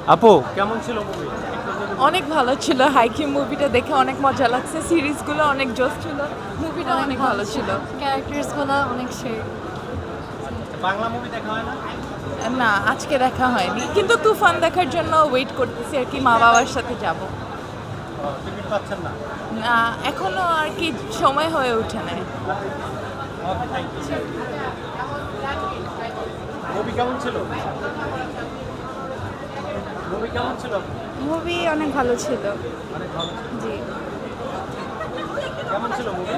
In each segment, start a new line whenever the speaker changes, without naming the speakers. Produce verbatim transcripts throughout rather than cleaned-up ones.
আপু কেমন ছিল মুভি?
অনেক ভালো ছিল। হাইকিং মুভিটা দেখে অনেক মজা লাগছে। সিরিজগুলো অনেক জোস ছিল। মুভিটা অনেক ভালো ছিল।
ক্যারেক্টার্সগুলো অনেক সেই।
বাংলা মুভি দেখা হয় না?
না, আজকে দেখা হয়নি, কিন্তু তুফান দেখার জন্য ওয়েট করতেছি আর কি, মা বাবার সাথে যাব।
টিকিট পাচ্ছেন না?
না, এখনো আর কি সময় হয়ে ওঠে না।
ওকে, থ্যাংক ইউ। মুভি কেমন ছিল? মুভি কেমন ছিল?
মুভি অনেক ভালো ছিল।
অনেক ভালো ছিল।
জি।
কেমন ছিল মুভি?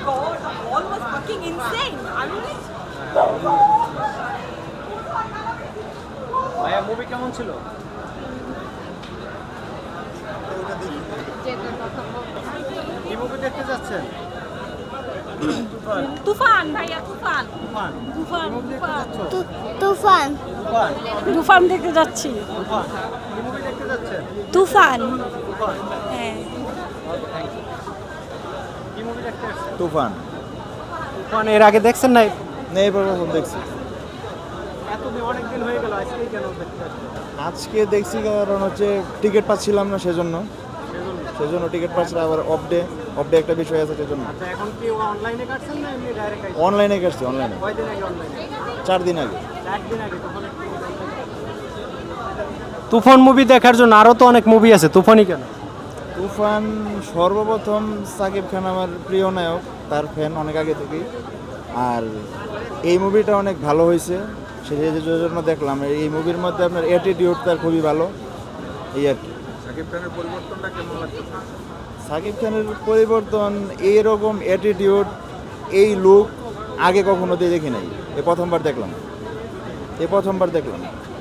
ভাইয়া মুভি কেমন ছিল? কি মুভি দেখতে যাচ্ছেন? তুফান।
তুফান ভাইয়া, তুফান
তুফান।
তুফান
কি মুভি দেখতে যাচ্ছ?
তুফান
তুফান।
তুফান দেখতে যাচ্ছি।
তুফান। কি মুভি দেখতে যাচ্ছেন?
তুফান।
তুফান।
হ্যাঁ।
Okay, thank you. কি মুভি দেখতে আসছেন?
তুফান।
তুফান এর আগে দেখছেন না?
নেই প্রথম দেখছি।
এতদিন অনেক দিন হয়ে গেল, আজকেই কেন দেখতে আসছেন?
আজকে দেখছি কারণ হচ্ছে টিকিট পাচ্ছিলাম না সেজন্য
সেজন্য।
সেজন্য টিকিট পাচ্ছিলাম, আবার অফ ডে অফ ডে একটা বিষয় আছে সেজন্য
আচ্ছা, এখন কি অনলাইনে কাটছেন না এমনি ডাইরেক্ট আইছেন?
অনলাইনে কাটছি। অনলাইনে
কয়দিন আগে অনলাইনে?
চার দিন আগে।
একদিন আগে। তুফান মুভি দেখার জন্য আরো তো অনেক মুভি আছে, তুফানই কেন?
তুফান সর্বপ্রথম সাকিব খান আমার প্রিয় নায়ক, তার ফ্যান অনেক আগে থেকেই। আর এই মুভিটা অনেক ভালো হয়েছে, সেই জন্য দেখলাম। এই মুভির মধ্যে আপনার অ্যাটিটিউড তার খুবই ভালো, এই আর কি।
সাকিব খানের পরিবর্তনটা কেমন লাগছে?
সাকিব খানের পরিবর্তন, এইরকম অ্যাটিটিউড, এই লুক আগে কখনো দিয়ে দেখি নাই, এ প্রথমবার দেখলাম এ প্রথমবার দেখলাম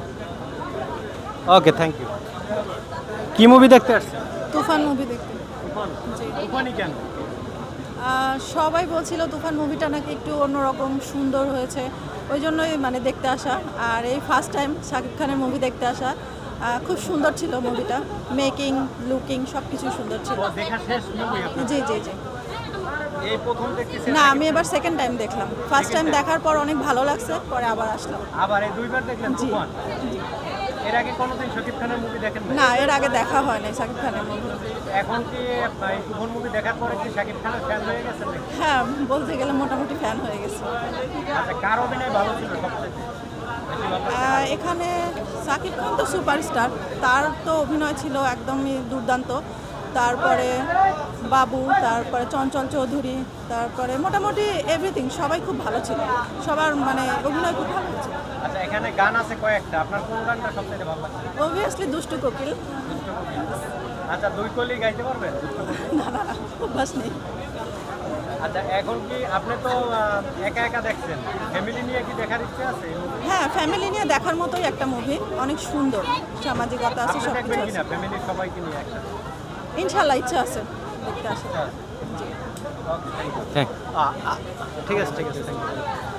ওকে, থ্যাংক ইউ। কি মুভি দেখতে আসছেন?
তুফান মুভি দেখতে।
তুফান। তুফানই কেন?
আহ, সবাই বলছিল তুফান মুভিটা নাকি একটু অন্যরকম সুন্দর হয়েছে, ওই জন্যই মানে দেখতে আসা। আর এই ফার্স্ট টাইম শাকিব খানের মুভি দেখতে আসা। আহ, খুব সুন্দর ছিল মুভিটা, মেকিং লুকিং সব কিছু সুন্দর ছিল।
ও, দেখা শেষ মুভি আপনার?
জি জি জি।
এই প্রথম দেখতেছি।
না, আমি এবার সেকেন্ড টাইম দেখলাম। ফার্স্ট টাইম দেখার পর অনেক ভালো লাগছে, পরে আবার আসলাম।
আবার এই দুইবার দেখলেন
জি।
তুফান? এর আগে কোনোদিন শাকিব খানের মুভি দেখেন না?
না, এর আগে দেখা হয় নাই শাকিব খানের মুভি।
এখন কি এই তুফান মুভি দেখার পরে কি শাকিব খানের ফ্যান হয়ে গেছেন নাকি?
হ্যাঁ, বলতে গেলে মোটামুটি ফ্যান হয়ে গেছে।
আচ্ছা, কার অভিনয় ভালো ছিল সবচেয়ে বেশি ভালো?
আহ, এখানে সাকিব খান তো সুপারস্টার, তার তো অভিনয় ছিল একদমই দুর্দান্ত। তারপরে বাবু, তারপরে চঞ্চল চৌধুরী, তারপরে মোটামুটি এভরিথিং সবাই খুব ভালো ছিল। সবার মানে অভিনয় খুব ভালো হয়েছে।
আচ্ছা, এখানে গান আছে কয়েকটা, আপনার কোন গানটা সবচেয়ে ভালো লাগছে?
অবভিয়াসলি দুষ্টু কোকিল।
আচ্ছা, দুই কলি গাইতে পারবেন?
না না, অভ্যাস নেই।
আচ্ছা, এখন কি আপনি তো আহ, একা একা দেখছেন, ফ্যামিলি নিয়ে কি দেখার ইচ্ছে আছে?
হ্যাঁ, ফ্যামিলি নিয়ে দেখার মতোই একটা মুভি, অনেক সুন্দর, সামাজিকতা আছে,
আপনি
সব
দেখবেন
কিছু
কিনা
আছে।
ফ্যামিলির সবাইকে নিয়ে একটা?
ইনশাল্লাহ ইচ্ছা আছে দেখতে আসা।
Okay, thank you. ঠিক আছে, ঠিক আছে, থ্যাংক ইউ।